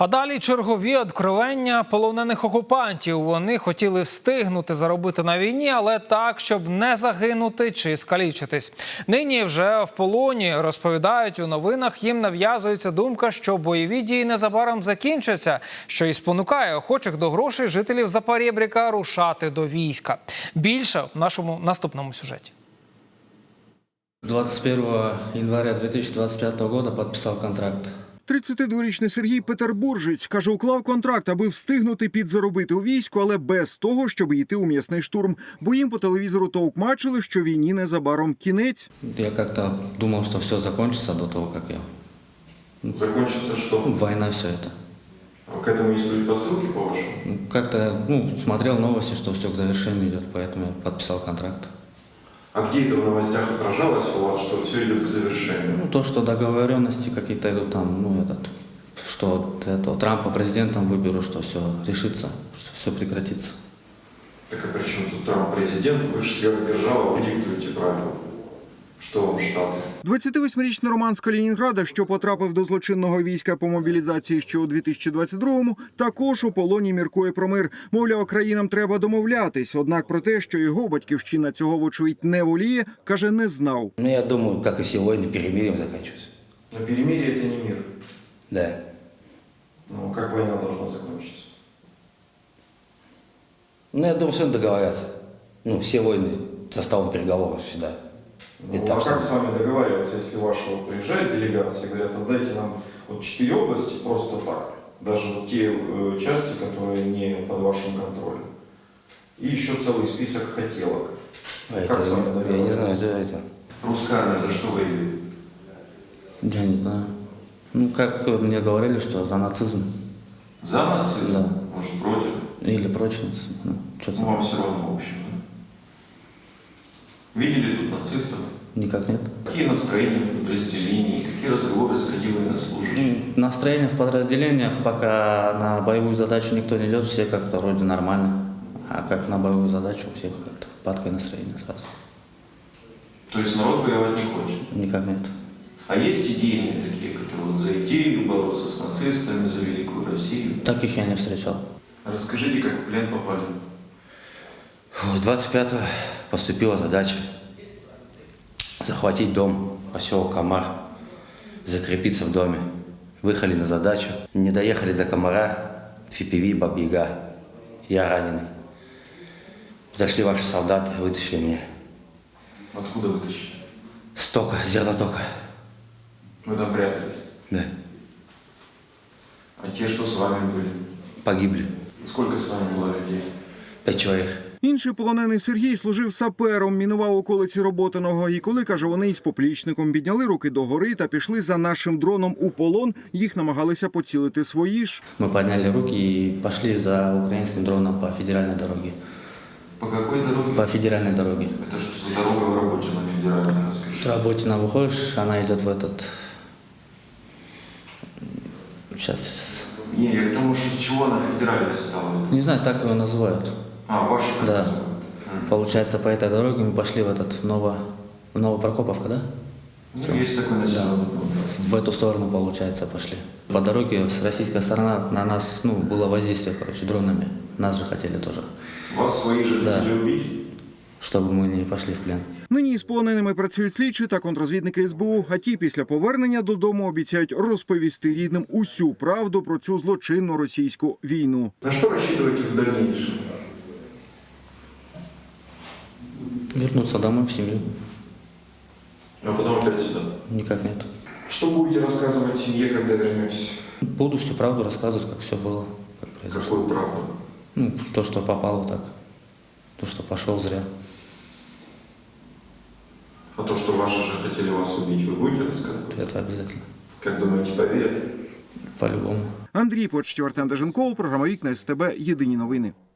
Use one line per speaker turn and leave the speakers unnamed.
А далі чергові откровення полонених окупантів. Вони хотіли встигнути заробити на війні, але так, щоб не загинути чи скалічитись. Нині вже в полоні, розповідають у новинах, їм нав'язується думка, що бойові дії незабаром закінчаться, що і спонукає охочих до грошей жителів Запорєбріка рушати до війська. Більше в нашому наступному сюжеті.
21 января 2025 года подписал контракт.
32-річний Сергій Петербуржець, каже, уклав контракт, аби встигнути підзаробити у війську, але без того, щоб йти у м'ясний штурм. Бо їм по телевізору товкмачили, що війні незабаром кінець.
Я как-то думал, что все закончится до того, как я...
Закончится что?
Война, все это.
К этому есть предпосылки, по-вашему?
Как-то смотрел новости, что все к завершению идет, поэтому я подписал контракт.
А где это в новостях отражалось у вас, что все идет к завершению?
То, что договоренности какие-то идут там, что Трампа президентом выберу, что все решится, что все прекратится.
Так а при чем тут Трамп президент? Вы же сверхдержава, вы диктуете правила. Що вам Штати?
28-річний Роман з Калінінграда, що потрапив до злочинного війська по мобілізації ще у 2022-му, також у полоні міркує про мир. Мовляв, країнам треба домовлятись. Однак про те, що його батьківщина цього, вочевидь, не воліє, каже, не знав.
Я думаю, як і всі війни, перемир'ям закінчуються.
Но перемирие – это не мир.
Да.
Ну, как война должна закончиться?
Я думаю, все договорятся. Все войны составом переговоров всегда.
Ну, а как с вами договариваться, если ваша приезжает делегация и говорят, отдайте нам 4 области просто так, даже те части, которые не под вашим контролем, и еще целый список хотелок. Как с вами договариваться?
Я не знаю, это.
Русская армия за что воюет?
Я не знаю. Как мне говорили, что за нацизм.
За нацизм?
Да.
Может, против?
Или против нацизма. Что-то.
Вам все равно, в общем, да? Видели тут нацистов?
Никак нет.
Какие настроения в подразделении, какие разговоры среди военнослужащих?
Настроение в подразделениях, пока на боевую задачу никто не идет, все как-то вроде нормально. А как на боевую задачу, у всех как-то падкое настроение сразу.
То есть народ воевать не хочет?
Никак нет.
А есть идейные такие, которые за идею бороться с нацистами, за великую Россию?
Таких я не встречал.
Расскажите, как в плен попали?
25-го поступила задача захватить дом, поселок Комар, закрепиться в доме. Выехали на задачу, не доехали до Комара, ФПВ, Баба-Яга. Я раненый. Подошли ваши солдаты, вытащили меня.
Откуда вытащили?
С тока, зернотока.
Вы там прятались?
Да.
А те, что с вами были?
Погибли.
Сколько с вами было людей?
5 человек.
Інший полонений Сергій служив сапером, мінував околиці Роботиного. І коли, каже, вони із поплічником підняли руки догори та пішли за нашим дроном у полон, їх намагалися поцілити свої ж.
Мы подняли руки и пошли за украинским дроном по федеральной дороге.
По какой дороге?
По федеральной дороге.
Это что за дорога в работе на федеральной, расскажите?
С Работина выходишь, она идет в этот... Сейчас...
Не, я к тому, что с чего она федеральная стала?
Не знаю, так его называют.
А, ваши как
Да.
называют?
Получается, по этой дороге мы пошли в этот Новопрокоповка, да?
Ну, есть такой населенный пункт.
В эту сторону, получается, пошли. По дороге с российской стороны на нас, было воздействие, дронами. Нас же хотели тоже,
Вас свои же
Да.
хотели убить?
чтобы мы не пошли в плен.
Нині із полоненими працюють слідчі та контррозвідники СБУ, а ті після повернення додому обіцяють розповісти рідним усю правду про цю злочинну російську війну.
На что рассчитываете в дальнейшем?
Вернуться домой в семью?
А потом опять сюда.
Никак нет.
Что будете рассказывать семье, когда вернетесь?
Буду всю правду рассказывать, как все было, как произошло.
Какую правду?
То, что попало так, то, что пошел зря.
А то, что ваши же хотели вас убить, вы будете рассказывать?
Это обязательно.
Как думаете, поверят?
По-любому.
Андрій Почтів, Артем Деженков, програма «Вікна СТБ. Єдині новини».